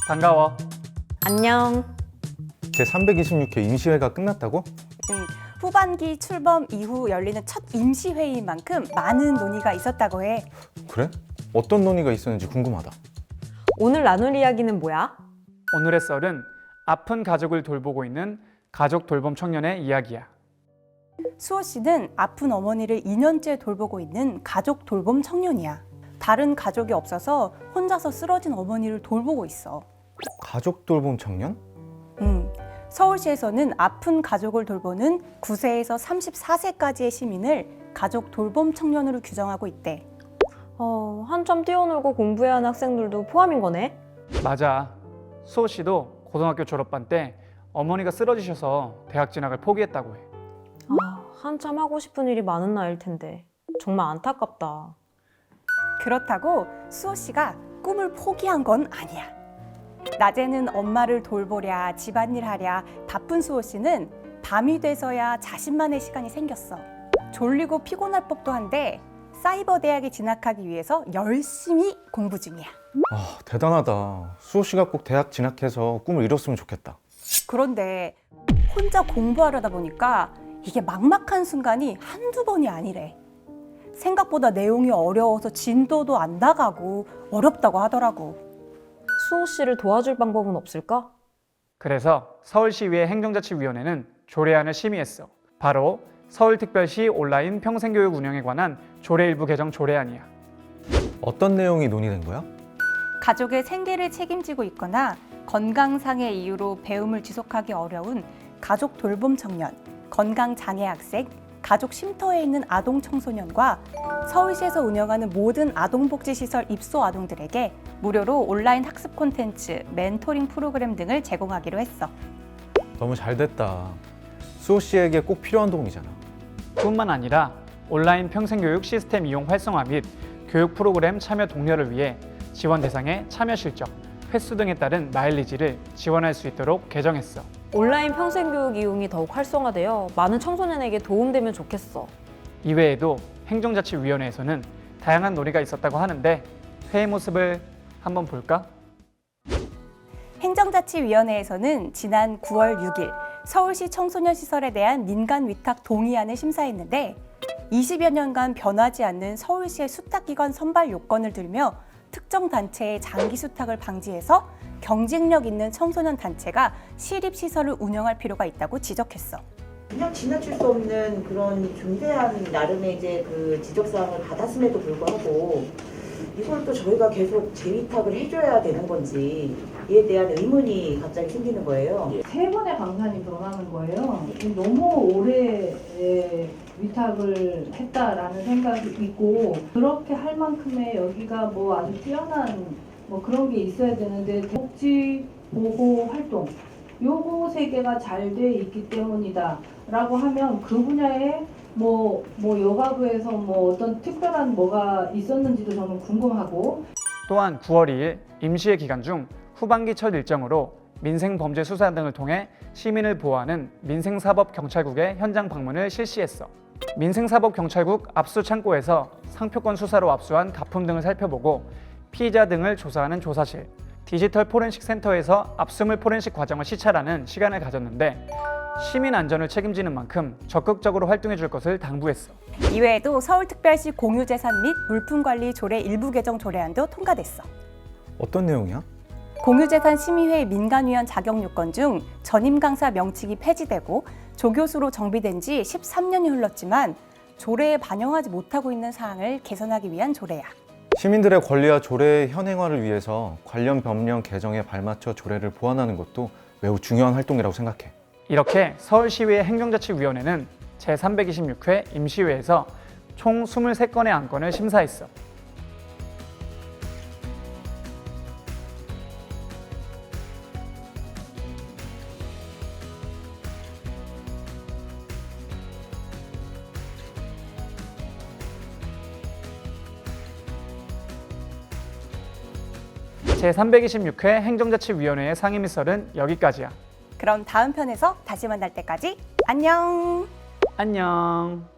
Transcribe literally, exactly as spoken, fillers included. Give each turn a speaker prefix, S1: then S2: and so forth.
S1: 반가워.
S2: 안녕.
S3: 제삼백이십육 회 임시회가 끝났다고?
S4: 음, 후반기 출범 이후 열리는 첫 임시회의인 만큼 많은 논의가 있었다고 해.
S3: 그래? 어떤 논의가 있었는지 궁금하다.
S2: 오늘 나눌 이야기는 뭐야?
S1: 오늘의 썰은 아픈 가족을 돌보고 있는 가족 돌봄 청년의 이야기야.
S4: 수호 씨는 아픈 어머니를 이 년째 돌보고 있는 가족 돌봄 청년이야. 다른 가족이 없어서 혼자서 쓰러진 어머니를 돌보고 있어.
S3: 가족 돌봄 청년?
S4: 음, 서울시에서는 아픈 가족을 돌보는 구 세에서 서른네 세까지의 시민을 가족 돌봄 청년으로 규정하고 있대.
S2: 어, 한참 뛰어놀고 공부해야 하는 학생들도 포함인 거네?
S1: 맞아. 수호 씨도 고등학교 졸업반 때 어머니가 쓰러지셔서 대학 진학을 포기했다고 해.
S2: 아, 한참 하고 싶은 일이 많은 나이일 텐데 정말 안타깝다.
S4: 그렇다고 수호 씨가 꿈을 포기한 건 아니야. 낮에는 엄마를 돌보랴, 집안일 하랴 바쁜 수호 씨는 밤이 돼서야 자신만의 시간이 생겼어. 졸리고 피곤할 법도 한데 사이버 대학에 진학하기 위해서 열심히 공부 중이야.
S3: 아, 대단하다. 수호 씨가 꼭 대학 진학해서 꿈을 이뤘으면 좋겠다.
S4: 그런데 혼자 공부하려다 보니까 이게 막막한 순간이 한두 번이 아니래. 생각보다 내용이 어려워서 진도도 안 나가고 어렵다고 하더라고.
S2: 수호 씨를 도와줄 방법은 없을까?
S1: 그래서 서울시의회 행정자치위원회는 조례안을 심의했어. 바로 서울특별시 온라인 평생교육 운영에 관한 조례 일부 개정 조례안이야.
S3: 어떤 내용이 논의된 거야?
S4: 가족의 생계를 책임지고 있거나 건강상의 이유로 배움을 지속하기 어려운 가족 돌봄 청년, 건강장애 학생, 가족 쉼터에 있는 아동 청소년과 서울시에서 운영하는 모든 아동복지시설 입소 아동들에게 무료로 온라인 학습 콘텐츠, 멘토링 프로그램 등을 제공하기로 했어.
S3: 너무 잘 됐다. 수호 씨에게 꼭 필요한 도움이잖아.
S1: 뿐만 아니라 온라인 평생교육 시스템 이용 활성화 및 교육 프로그램 참여 독려를 위해 지원 대상의 참여 실적, 횟수 등에 따른 마일리지를 지원할 수 있도록 개정했어.
S2: 온라인 평생교육 이용이 더욱 활성화되어 많은 청소년에게 도움되면 좋겠어.
S1: 이외에도 행정자치위원회에서는 다양한 논의가 있었다고 하는데 회의 모습을 한번 볼까?
S4: 행정자치위원회에서는 지난 구월 육일 서울시 청소년 시설에 대한 민간 위탁 동의안을 심사했는데 이십여 년간 변하지 않는 서울시의 수탁기관 선발 요건을 들며 특정 단체의 장기 수탁을 방지해서 경쟁력 있는 청소년 단체가 시립시설을 운영할 필요가 있다고 지적했어.
S5: 그냥 지나칠 수 없는 그런 중대한 나름의 이제 그 지적사항을 받았음에도 불구하고 이걸 또 저희가 계속 재위탁을 해줘야 되는 건지 이에 대한 의문이 갑자기 생기는 거예요.
S6: 세 번의 강산이 들어가는 거예요. 너무 오래 위탁을 했다라는 생각이 있고 그렇게 할 만큼의 여기가 뭐 아주 뛰어난 뭐 그런 게 있어야 되는데 복지 보호 활동 요거 세 개가 잘 돼 있기 때문이다라고 하면 그 분야에 뭐, 뭐 여가부에서 뭐 어떤 특별한 뭐가 있었는지도 저는 궁금하고.
S1: 또한 구월 이일 임시회 기간 중 후반기 첫 일정으로 민생범죄수사 등을 통해 시민을 보호하는 민생사법경찰국의 현장 방문을 실시했어. 민생사법경찰국 압수창고에서 상표권 수사로 압수한 가품 등을 살펴보고 피의자 등을 조사하는 조사실, 디지털 포렌식 센터에서 압수물 포렌식 과정을 시찰하는 시간을 가졌는데 시민 안전을 책임지는 만큼 적극적으로 활동해 줄 것을 당부했어.
S4: 이외에도 서울특별시 공유재산 및 물품관리 조례 일부 개정 조례안도 통과됐어.
S3: 어떤 내용이야?
S4: 공유재산 심의회 민간위원 자격 요건 중 전임 강사 명칭이 폐지되고 조교수로 정비된 지 십삼 년이 흘렀지만 조례에 반영하지 못하고 있는 사항을 개선하기 위한 조례야.
S3: 시민들의 권리와 조례의 현행화를 위해서 관련 법령 개정에 발맞춰 조례를 보완하는 것도 매우 중요한 활동이라고 생각해.
S1: 이렇게 서울시의회 행정자치위원회는 제삼백이십육 회 임시회에서 총 이십삼 건의 안건을 심사했어. 제삼백이십육 회 행정자치위원회의 상임위 썰은 여기까지야.
S4: 그럼 다음 편에서 다시 만날 때까지 안녕!
S1: 안녕.